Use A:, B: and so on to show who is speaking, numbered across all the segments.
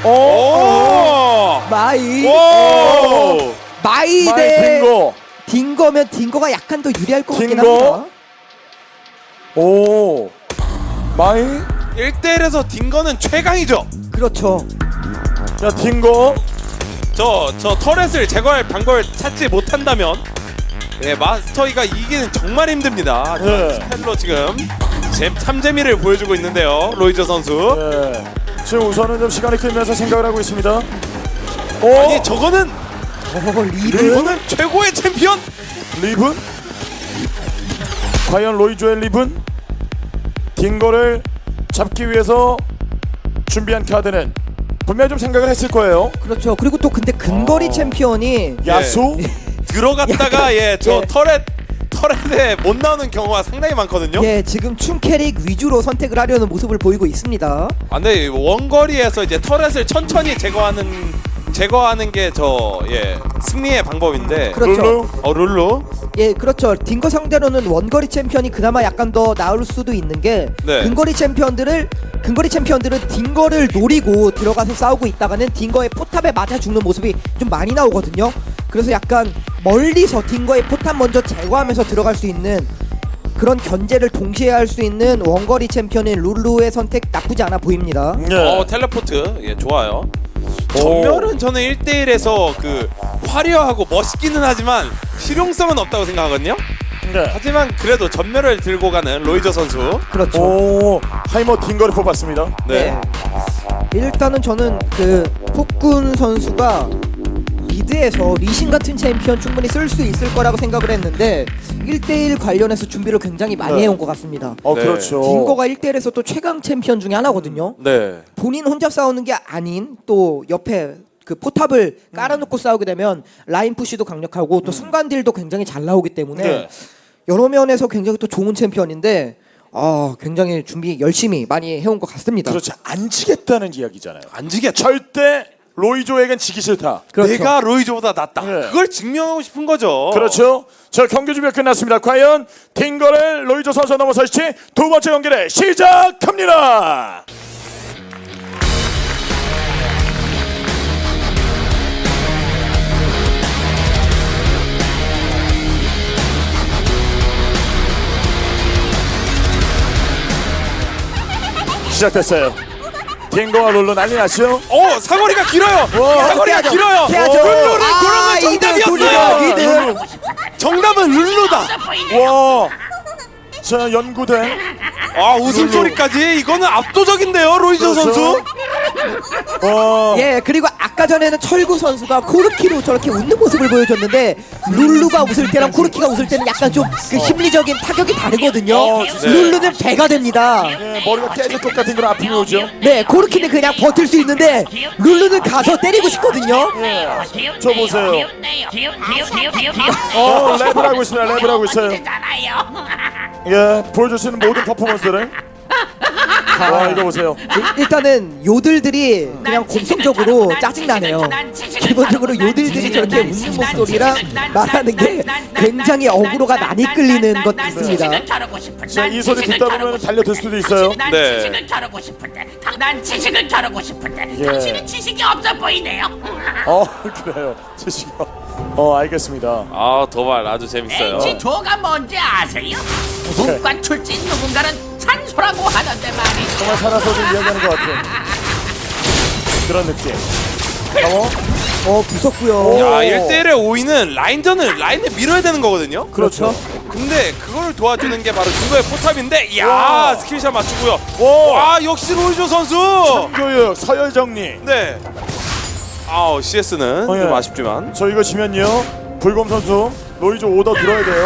A: 마이.
B: 오!
A: 마이
C: 마이
A: 대
C: 딩거.
A: 딩거면 딩거가 약간 더 유리할 것 같긴
C: 딩거.
A: 합니다.
C: 오. 마이.
B: 1대1에서 딩거는 최강이죠.
A: 그렇죠.
C: 자, 딩거.
B: 저 터렛을 제거할 방법을 찾지 못한다면 마스터이가 이기는 정말 힘듭니다.
C: 네.
B: 스펠로 지금 참재미를 보여주고 있는데요. 로이저 선수.
C: 네. 지금 우선은 좀 시간이 끌면서 생각을 하고 있습니다.
B: 아니 저거는
A: 리브.
B: 이거는 최고의 챔피언.
C: 리븐? 과연 로이조의 리븐? 딩거를 잡기 위해서 준비한 카드는 분명히 좀 생각을 했을 거예요.
A: 그렇죠. 그리고 또 근데 근거리 챔피언이
C: 야수?
B: 들어갔다가 저
A: 예.
B: 터렛에 못 나오는 경우가 상당히 많거든요.
A: 예, 지금 춤 캐릭 위주로 선택을 하려는 모습을 보이고 있습니다.
B: 근데 원거리에서 이제 터렛을 천천히 제거하는 게 승리의 방법인데.
A: 그렇죠.
B: 룰루.
A: 예, 그렇죠. 딩거 상대로는 원거리 챔피언이 그나마 약간 더 나을 수도 있는 게
B: 네.
A: 근거리 챔피언들은 딩거를 노리고 들어가서 싸우고 있다가는 딩거의 포탑에 맞아 죽는 모습이 좀 많이 나오거든요. 그래서 약간 멀리서 딩거의 포탑 먼저 제거하면서 들어갈 수 있는 그런 견제를 동시에 할 수 있는 원거리 챔피언인 룰루의 선택 나쁘지 않아 보입니다.
C: 네.
B: 텔레포트 좋아요. 전멸은 저는 1대1에서 화려하고 멋있기는 하지만 실용성은 없다고 생각하거든요.
C: 네.
B: 하지만 그래도 전멸을 들고 가는 로이저 선수.
A: 그렇죠.
C: 오, 하이머 딩거를 뽑았습니다.
B: 네.
A: 일단은 저는 폭군 선수가 미드에서 리신 같은 챔피언 충분히 쓸 수 있을 거라고 생각을 했는데 1대1 관련해서 준비를 굉장히 많이
C: 네.
A: 해온 것 같습니다.
B: 네.
C: 그렇죠.
A: 딩거가 1대1에서 또 최강 챔피언 중에 하나거든요.
B: 네.
A: 본인 혼자 싸우는 게 아닌 또 옆에 포탑을 깔아놓고 싸우게 되면 라인 푸시도 강력하고 또 순간 딜도 굉장히 잘 나오기 때문에
B: 네.
A: 여러 면에서 굉장히 또 좋은 챔피언인데 굉장히 준비 열심히 많이 해온 것 같습니다.
C: 그렇죠. 안 지겠다는 이야기잖아요.
B: 안 지겠죠.
C: 절대 로이조에겐 지기 싫다.
A: 그렇죠.
B: 내가 로이저보다 낫다.
C: 네.
B: 그걸 증명하고 싶은 거죠.
C: 그렇죠. 자, 경기 준비가 끝났습니다. 과연 딩거를 로이조 선수 넘어설지 두 번째 경기를 시작합니다. 시작됐어요. 딩거와 룰루 난리 났죠?
B: 사거리가 길어요.
C: 와.
B: 사거리가
A: 피하죠.
B: 길어요.
A: 피하죠.
B: 룰루를 고른 건 정답이었어요.
A: 이득.
B: 정답은 룰루다.
C: 와. 자, 연구된
B: 웃음소리까지 이거는 압도적인데요, 로이저
C: 그렇죠.
B: 선수.
C: 와.
A: 예, 그리고 아까 전에는 철구 선수가 코르키로 저렇게 웃는 모습을 보여줬는데 룰루가 웃을 때랑 코르키가 웃을 때는 약간 좀 심리적인 타격이 다르거든요.
C: 진짜.
A: 룰루는 배가 됩니다.
C: 예, 머리가 깨질 것 같은 그런 아픔이 오죠.
A: 네, 코르키는 그냥 버틸 수 있는데 룰루는 가서 때리고 싶거든요.
C: 저 보세요. 랩을 하고 있습니다. 랩을 하고 있어요. 예, 보여줄 수 있는 모든 퍼포먼스를. 와, 이거 보세요.
A: 일단은 요들들이 그냥 공통적으로 짜증나네요. 기본적으로 요들들이 저렇게 웃는 목소리랑 말하는 게 굉장히 어그로가 많이 끌리는 것 같습니다.
C: 자, 이 소리 듣다 보면 달려들 수도 있어요.
D: 난
B: 네.
D: 지식을 겨루고 싶은데 난 지식을 겨루고 싶은데
C: 예.
D: 당신은 지식이 없어 보이네요.
C: 그래요. 지시가. 알겠습니다.
B: 도발 아주 재밌어요.
D: H2가 뭔지 아세요? 문과 출신 누군가는 산소라고 하던데 말이죠.
C: 정말 살아서도 이야기하는 것 같아요. 그런 느낌.
A: 무섭고요.
B: 야, 1대1의 5위는 라인을 밀어야 되는 거거든요.
C: 그렇죠.
B: 근데 그걸 도와주는 게 바로 딩거의 포탑인데,
C: 와.
B: 스킬샷 맞추고요.
C: 오.
B: 와, 역시 로이저 선수.
C: 교육 서열 정리.
B: 네. CS는
C: 예.
B: 좀 아쉽지만.
C: 저 이거 지면요. 불곰 선수 로이조 오더 들어야 돼요.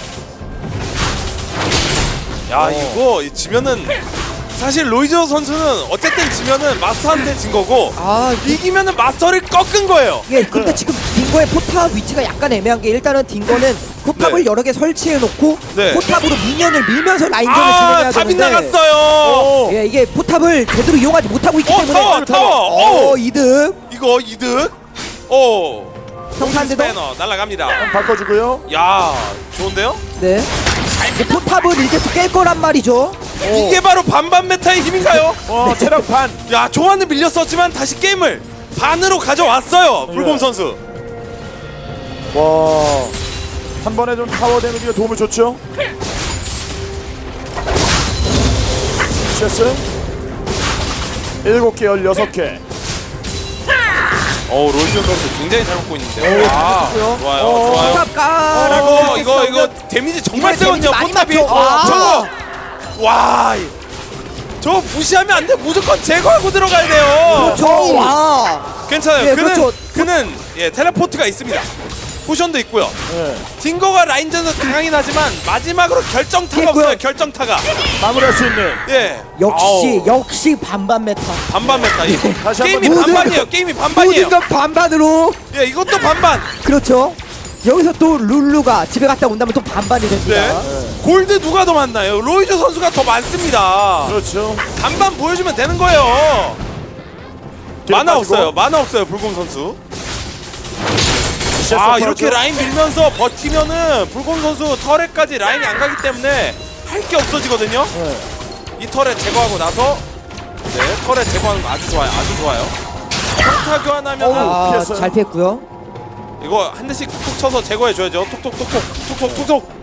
B: 야, 이거 지면은 사실 로이저 선수는 어쨌든 지면은 마스터한테 진 거고 이기면은 마스터를 꺾은 거예요.
A: 예, 근데 지금 딩거의 포탑 위치가 약간 애매한 게 일단은 딩거는 포탑을
B: 네.
A: 여러 개 설치해 놓고
B: 네.
A: 포탑으로 미니언을 밀면서 라인전을 진행해야
B: 다
A: 되는데
B: 빗나갔어요.
A: 예, 이게 포탑을 제대로 이용하지 못하고 있기 때문에
B: 타워.
A: 이득.
B: 이거 이득.
A: 평탄대도
B: 스패너 날아갑니다.
C: 바꿔주고요.
B: 야, 좋은데요?
A: 네. 포탑을 이제 깰 거란 말이죠.
B: 이게 바로 반반 메타의 힘인가요?
C: 체력 반.
B: 야, 조한은 밀렸었지만 다시 게임을 반으로 가져왔어요. 불곰 선수.
C: 와. 한 번에 좀 타워 데미지가 도움을 줬죠. CS 7개 16개.
B: 로이즈 선수 굉장히 잘 먹고 있는데요.
A: 좋고요.
B: 좋아요.
A: 포탑 깔아.
B: 이거 데미지 정말
A: 이번에
B: 세거든요.
A: 데미지 많이
B: 포탑이.
A: 맞죠?
B: 저거. 와. 저거 무시하면 안 돼. 무조건 제거하고 들어가야 돼요.
A: 그렇죠. 와.
B: 괜찮아요.
A: 예,
B: 그는
A: 그렇죠.
B: 그는 텔레포트가 있습니다. 포션도 있고요.
C: 네.
B: 딩거가 라인전에서 강하긴 하지만 마지막으로 결정타가
A: 있고요.
B: 없어요. 결정타가.
C: 마무리할 수 있는.
B: 예.
A: 역시 반반 메타.
B: 반반 메타.
C: 다시 한번
B: 게임이
A: 모든
B: 반반이에요. 게임이 반반이에요.
A: 모든 건 반반으로.
B: 예, 이것도 반반.
A: 그렇죠. 여기서 또 룰루가 집에 갔다 온다면 또 반반이 됩니다.
B: 네. 골드 누가 더 많나요? 로이즈 선수가 더 많습니다.
C: 그렇죠.
B: 반반 보여주면 되는 거예요.
C: 뒤로
B: 만화
C: 빠지고.
B: 없어요. 만화 없어요. 불곰 선수.
C: CS
B: 이렇게
C: 빠졌죠?
B: 라인 밀면서 버티면은 불곰 선수 터렛까지 라인이 안 가기 때문에 할 게 없어지거든요.
C: 네.
B: 이 터렛 제거하고 나서 터렛 제거하는 거 아주 좋아요. 아주 좋아요. 평타 교환하면
C: 피했어요.
A: 잘 피했고요.
B: 이거 한 대씩 툭툭 쳐서 제거해 줘야죠. 톡톡톡톡.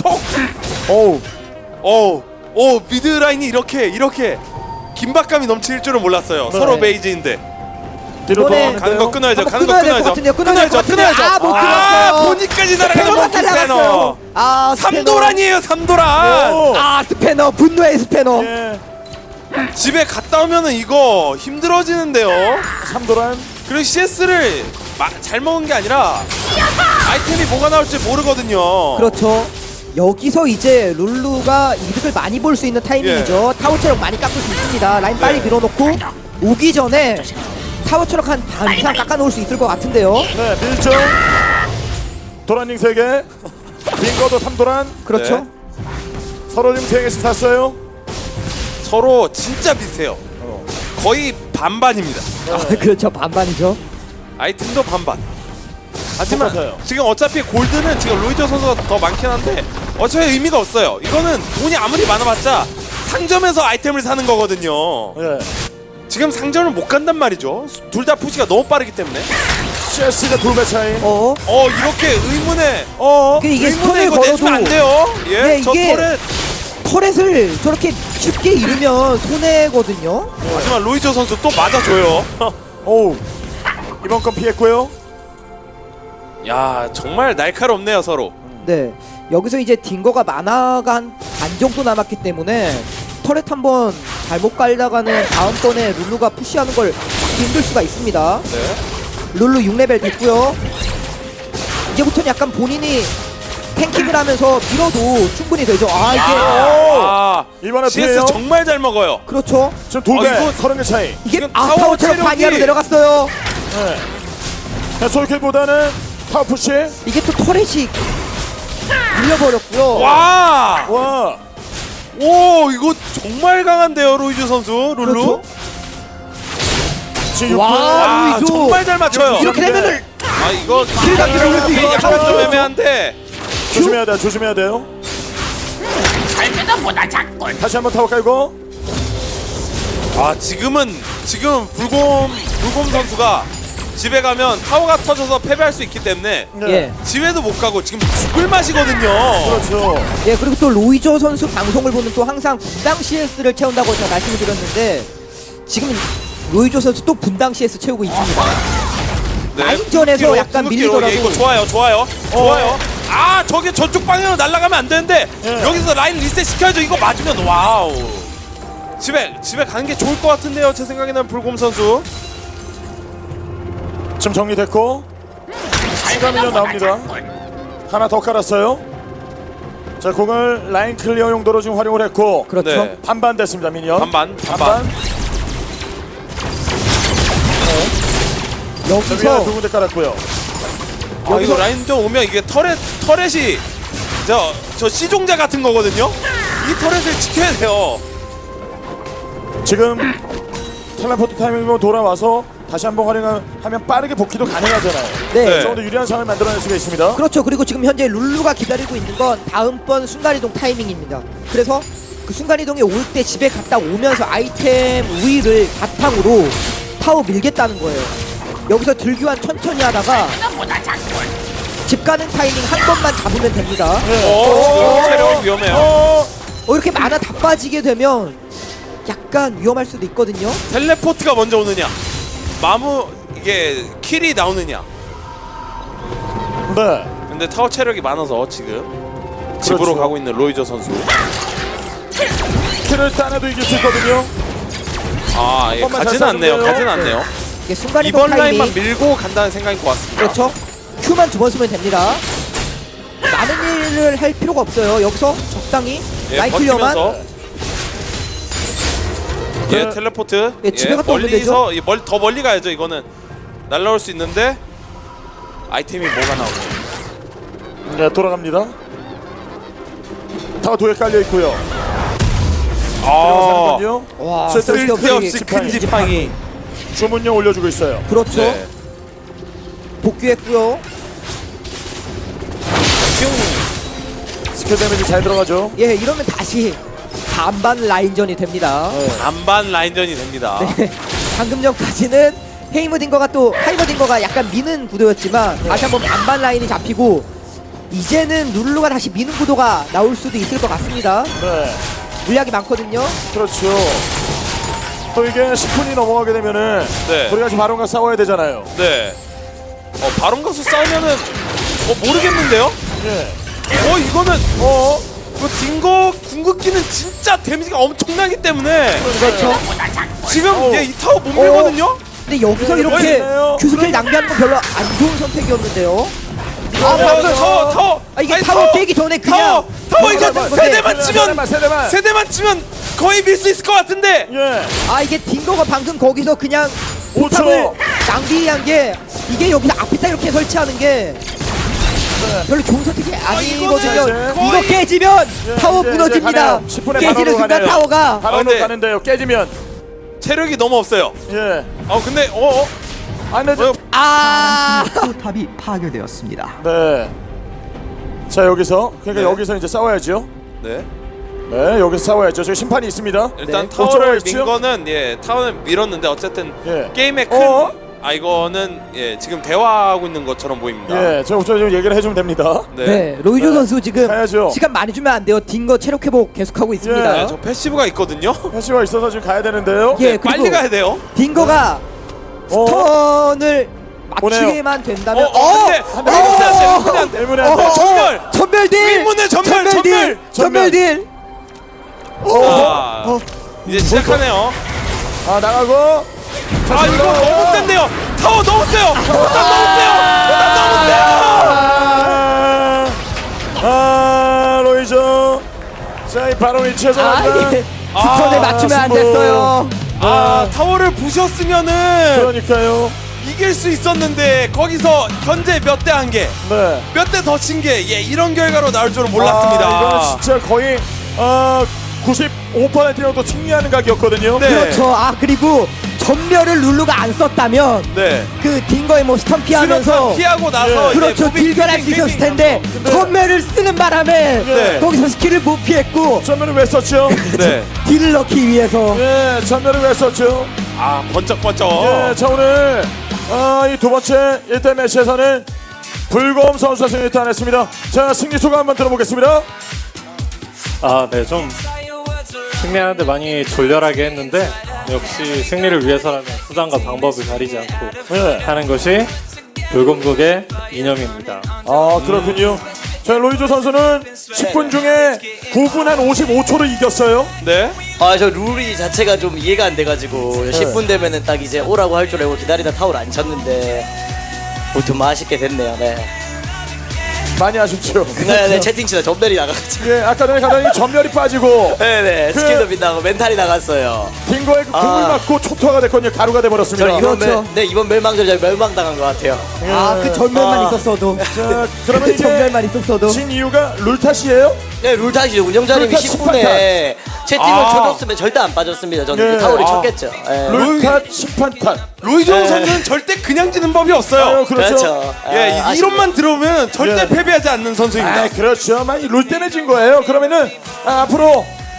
C: 오우.
B: 오 미드 라인이 이렇게 긴박감이 넘칠 줄은 몰랐어요.
C: 네.
B: 서로 베이지인데
C: 뒤로
A: 이번에
B: 가는 거 끊어야죠.
A: 한번
B: 가는 거
A: 끊어야 될것
B: 끊어야죠.
A: 같은데요. 끊어야 될것 같은데. 못 끊었어요.
B: 본인까지 날아가는
A: 스패너가
B: 몬키 스패너.
A: 날아갔어요. 스패너.
B: 삼도란이에요. 삼도란.
C: 오.
A: 스패너. 분노의 스패너.
C: 예.
B: 집에 갔다 오면은 이거 힘들어지는데요.
C: 삼도란.
B: 그리고 CS를 잘 먹은 게 아니라 아이템이 뭐가 나올지 모르거든요.
A: 그렇죠. 여기서 이제 룰루가 이득을 많이 볼 수 있는 타이밍이죠. 타워 체력 많이 깎을 수 있습니다. 라인 빨리
B: 네.
A: 밀어놓고 오기 전에 타워 체력 한 반 이상 깎아놓을 수 있을 것 같은데요.
C: 네, 밀정. 도란닝 3개. 빙거도 3도란.
A: 그렇죠.
B: 네.
C: 서로 지금 3개씩 샀어요.
B: 서로 진짜 비슷해요. 거의 반반입니다.
A: 그렇죠. 반반이죠.
B: 아이템도 반반. 하지만
C: 똑같아요.
B: 지금 어차피 골드는 지금 로이저 선수가 더 많긴 한데 어차피 의미가 없어요. 이거는 돈이 아무리 많아봤자 상점에서 아이템을 사는 거거든요.
C: 네.
B: 지금 상점을 못 간단 말이죠. 둘 다 푸시가 너무 빠르기 때문에.
C: CS가 2배 차이.
B: 이렇게 의문에
A: 이게
B: 의문에
A: 스톤을
B: 이거 내주면 안
A: 걸어도
B: 돼요. 예,
A: 네,
B: 저
A: 이게-
B: 털에
A: 터렛을 저렇게 쉽게 잃으면 손해거든요.
B: 하지만 로이저 선수 또 맞아줘요.
C: 오우. 이번 건 피했고요.
B: 야, 정말 날카롭네요 서로.
A: 네. 여기서 이제 딩거가 만화가 한 반 정도 남았기 때문에 터렛 한번 잘못 깔다가는 다음번에 룰루가 푸시하는 걸 막기 힘들 수가 있습니다.
B: 네.
A: 룰루 6레벨 됐고요. 이제부터는 약간 본인이 탱킹을 하면서 밀어도 충분히 되죠. 이게
C: 이번에
B: CS
C: 피해요.
B: 정말 잘 먹어요.
A: 그렇죠.
C: 지금 2배.
B: 이거-
C: 30개 차이.
A: 이게
B: 지금
A: 타워
B: 타워
A: 체력
B: 체력이-
A: 반이하로 내려갔어요.
C: 네. 솔킬보다는 타워푸시.
A: 이게 또 터렛이 밀려버렸고요.
B: 와,
C: 와.
B: 오 이거 정말 강한데요 로이저 선수 룰루.
A: 그렇죠.
C: 지금
A: 와.
C: 6배.
B: 와,
A: 로이저.
B: 정말 잘 맞춰요.
A: 이렇게 되면은
B: 이거
A: 킬각이 올릴 수 있어요.
B: 약간 좀 애매한데.
C: 조심해야 돼요. 조심해야 돼요.
D: 살면보다 작군.
C: 다시 한번 타워 깔고.
B: 지금 불곰 선수가 집에 가면 타워가 터져서 패배할 수 있기 때문에
C: 네.
A: 예.
B: 집에도 못 가고 지금 죽을 맛이거든요.
C: 그렇죠.
A: 예, 그리고 또 로이저 선수 방송을 보면 또 항상 분당 CS를 채운다고 제가 말씀을 드렸는데 지금 로이저 선수 또 분당 CS 채우고 있습니다. 라인전에서
B: 궁극기로,
A: 약간
B: 궁극기로.
A: 밀리더라도.
B: 예, 이거 좋아요. 좋아요. 저게 저쪽 방향으로 날아가면 안 되는데
C: 예.
B: 여기서 라인 리셋 시켜야죠. 이거 맞으면 와우. 집에 가는 게 좋을 것 같은데요. 제 생각에는 불곰 선수.
C: 지금 정리됐고. 추가 밀려 나옵니다. 하나 더 깔았어요. 자, 공을 라인 클리어 용도로 지금 활용을 했고.
A: 그렇죠.
B: 네.
C: 반반 됐습니다, 미니언.
B: 반반.
C: 자, 위에
A: 여기서
C: 두 군데 깔았고요.
B: 이거 라인전 오면 이게 터렛이 저 C종자 같은 거거든요. 이 터렛을 지켜야 돼요.
C: 지금 텔레포트 타이밍으로 돌아와서 다시 한번 활용하면 빠르게 복귀도 가능하잖아요.
A: 네.
B: 네.
C: 좀 더 유리한 상황을 만들어낼 수가 있습니다.
A: 그렇죠. 그리고 지금 현재 룰루가 기다리고 있는 건 다음번 순간이동 타이밍입니다. 그래서 그 순간이동이 올 때 집에 갔다 오면서 아이템 우위를 바탕으로 타워 밀겠다는 거예요. 여기서 들교환 천천히 하다가
D: 너보다 장군.
A: 집 가는 타이밍 한 번만 잡으면 됩니다.
B: 지금 체력이 위험해요.
A: 이렇게 만화 다 빠지게 되면 약간 위험할 수도 있거든요.
B: 텔레포트가 먼저 오느냐, 이게 킬이 나오느냐.
C: 네.
B: 근데 타워 체력이 많아서 지금 집으로 가고 있는 로이저 선수.
C: 킬을 따내도 이길 수 있거든요.
B: 아, 예,
C: 한번만
B: 가진
C: 잘
B: 않네요.
C: 쏴주세요.
B: 가진 않네요.
A: 이게 순간이동
B: 이번
A: 타이밍
B: 라인만 밀고 간다는 생각인 것 같습니다.
A: 그렇죠. Q만 2번 쓰면 됩니다. 많은 일을 할 필요가 없어요. 여기서 적당히
B: 예,
A: 라인 클리어만.
B: 버티면서. 예, 텔레포트.
A: 예, 집에 갔다 오면
B: 멀리서 더 멀리 가야죠. 이거는 날라올 수 있는데 아이템이 뭐가 나오죠?
C: 네, 돌아갑니다. 타워 2개 깔려 있고요.
B: 아,
C: 들어가는군요.
A: 와,
B: 쓸데없이 큰 지팡이.
C: 주문용 올려주고 있어요.
A: 그렇죠.
B: 네.
A: 복귀했고요.
C: 스킬 데미지 잘 들어가죠.
A: 예, 이러면 다시 반반 라인전이 됩니다.
B: 반반 라인전이 됩니다.
A: 네. 방금 전까지는 하이머딩거가 약간 미는 구도였지만 다시 한번 반반 라인이 잡히고 이제는 룰루가 다시 미는 구도가 나올 수도 있을 것 같습니다.
C: 네.
A: 물약이 많거든요.
C: 그렇죠. 또 이게 10분이 넘어가게 되면은
B: 네.
C: 우리가 지금 바론과 싸워야 되잖아요.
B: 네. 바론 가수 싸우면은 모르겠는데요?
C: 예.
B: 이거는 그 딩거 궁극기는 진짜 데미지가 엄청나기 때문에
A: 그렇죠.
B: 지금 이 타워 못 밀거든요?
A: 근데 여기서
C: 네,
A: 이렇게
C: 멋있네요.
A: 큐스킬 낭비하는 건 별로 안 좋은 선택이었는데요.
B: 타워
A: 이게
B: 아니,
A: 타워 깨기 전에 그냥
B: 타워 이거
A: 넘어가는
B: 세대만 치면 거의 밀 수 있을 것 같은데.
C: 예.
A: 이게 딩거가 방금 거기서 그냥
C: 5초.
A: 포탑을 낭비한 게 이게 여기서 앞에다 이렇게 설치하는 게 별로 좋은 선택이 아니거든요.
B: 이거는
A: 이거
B: 거의-
A: 깨지면
C: 예,
A: 타워
C: 이제
A: 무너집니다.
C: 가네요. 10분에
A: 깨지는
C: 바로로
A: 순간
C: 가네요.
A: 타워가
C: 바론으로
B: 근데-
C: 가는데요. 깨지면.
B: 체력이 너무 없어요.
C: 예.
B: 근데
C: 안 돼.
E: 포탑이 파괴되었습니다.
C: 네. 자, 여기서 그러니까
B: 네.
C: 여기서 이제 싸워야죠.
B: 네.
C: 네, 여기서 싸워야죠. 저기 심판이 있습니다.
B: 일단
A: 네.
B: 타워를
C: 어쩌고
B: 민 거는 타워는 밀었는데 어쨌든
C: 예.
B: 게임의 큰 이거는 지금 대화하고 있는 것처럼 보입니다.
C: 예, 저 얘기를 해주면 됩니다.
A: 네, 로이조
C: 네.
A: 선수 지금
C: 가야죠.
A: 시간 많이 주면 안 돼요. 딩거 체력 회복 계속하고 있습니다.
B: 네, 저 패시브가 있거든요.
C: 패시가 있어서 지금 가야 되는데요.
A: 예,
B: 네, 빨리
A: 그리고
B: 가야 돼요.
A: 딩거가 스턴을
C: 보내요.
A: 맞추기만 된다면
B: 근데 안 돼.
C: 때문에 안 돼.
B: 전멸!
A: 전멸 딜!
B: 윗문에 전멸!
A: 전멸 딜!
B: 이제 시작하네요.
C: 나가고. 자,
B: 이거 너무 센데요. 타워 너무 세요. 포탑 너무 세요.
C: 로이저. 자, 이 바로 위치에서
A: 이게 스턴을 맞추면 안
C: 승부.
A: 됐어요.
B: 타워를 부셨으면은
C: 그러니까요.
B: 이길 수 있었는데 거기서 현재 몇 대 한 개,
C: 네.
B: 몇 대 더 친 게 이런 결과로 나올 줄은 몰랐습니다.
C: 이거는 진짜 거의 95%는 또 승리하는 각이었거든요.
B: 네.
A: 그렇죠. 그리고 전멸을 룰루가 안 썼다면
B: 네.
A: 그 딩거의 뭐 스턴 피하면서
B: 수력탄 피하고 나서
A: 그렇죠.
B: 이제
A: 딜결할 수 있었을 텐데 전멸을 쓰는 바람에
B: 네.
A: 거기서 스킬을 못 피했고
C: 전멸을 왜 썼죠?
B: 네.
A: 딜을 넣기 위해서
C: 네, 전멸을 왜 썼죠?
B: 번쩍번쩍.
C: 네, 자 오늘 이 두 번째 1대 매치에서는 불검 선수가 승리 따냈습니다. 자, 승리 소감 한번 들어보겠습니다.
F: 네, 좀 승리하는데 많이 졸렬하게 했는데 역시 승리를 위해서라면 수단과 방법을 가리지 않고
C: 네.
F: 하는 것이 불금국의 이념입니다.
C: 그렇군요. 자, 로이조 선수는 10분 중에 9분 한 55초를 이겼어요.
B: 네.
G: 저 룰이 자체가 좀 이해가 안 돼가지고 10분 되면은 딱 이제 오라고 할 줄 알고 기다리다 타월 안 쳤는데 좀 아쉽게 됐네요. 네.
C: 많이 아쉽죠.
G: 네, 채팅치다 전멸이 나가가지고.
C: 예, 아까 전에 가더니 전멸이 빠지고
G: 네네, 스킬도 빗나고 멘탈이 나갔어요.
C: 빙고의 그 공을 맞고 초토화가 됐거든요. 가루가 돼버렸습니다.
G: 저는
A: 그렇죠.
G: 이번 멸망전에 멸망당한 것 같아요.
A: 그 전멸만 있었어도
C: 자, 그러면
A: 그
C: 이제
A: 전멸만 있었어도
C: 진 이유가 룰 탓이에요?
G: 네, 룰 탓이죠. 운영자님이
C: 룰 탓,
G: 10분에 채팅을 쳐줬으면 절대 안 빠졌습니다. 저는
C: 네.
G: 그 타월이 쳤겠죠. 예.
C: 룰 탓, 심판 탓.
B: 로이조
G: 네.
B: 선수는 절대 그냥 지는 법이 없어요.
C: 그렇죠.
G: 그렇죠.
B: 이론만 들어오면 절대
C: 예.
B: 패배하지 않는 선수입니다.
C: 그렇죠. 이 룰 때문에 진 거예요. 그러면은 앞으로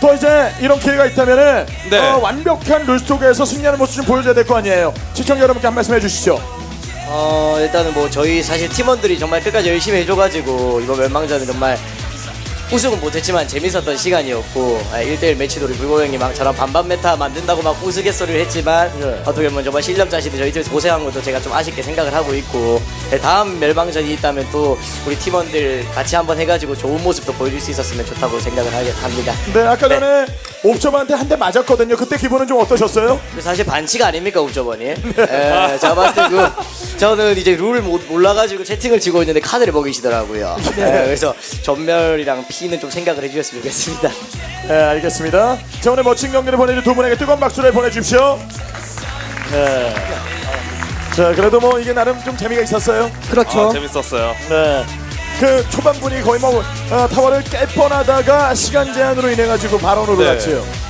C: 또 이제 이런 기회가 있다면은
B: 네.
C: 완벽한 룰 속에서 승리하는 모습 좀 보여줘야 될 거 아니에요. 시청자 여러분께 한 말씀 해주시죠.
G: 일단은 뭐 저희 사실 팀원들이 정말 끝까지 열심히 해줘가지고 이번 멸망전은 정말 우승은 못했지만 재밌었던 시간이었고 1대1 매치돌이 불고 형님 저랑 반반 메타 만든다고 막 우스갯소리를 했지만
C: 예.
G: 어떻게 보면 정말 실력 자신이 저희 팀에서 고생한 것도 제가 좀 아쉽게 생각을 하고 있고 다음 멸망전이 있다면 또 우리 팀원들 같이 한번 해가지고 좋은 모습도 보여줄 수 있었으면 좋다고 생각을 합니다.
C: 네, 아까 전에 옵저버한테 한 대 맞았거든요. 그때 기분은 좀 어떠셨어요?
G: 사실 반칙 아닙니까 옵저버니? 제가 봤을 때 저는 이제 룰을 몰라가지고 채팅을 치고 있는데 카드를 먹이시더라고요. 그래서 전멸이랑 피는 좀 생각을 해주셨으면 좋겠습니다.
C: 네, 알겠습니다. 자, 오늘 멋진 경기를 보내준 두 분에게 뜨거운 박수를 보내주십시오. 네. 자, 그래도 뭐 이게 나름 좀 재미가 있었어요.
A: 그렇죠.
B: 재밌었어요.
C: 네. 그 초반분이 거의 뭐 타워를 깰 뻔하다가 시간 제한으로 인해 가지고 발언으로
B: 네.
C: 갔지요.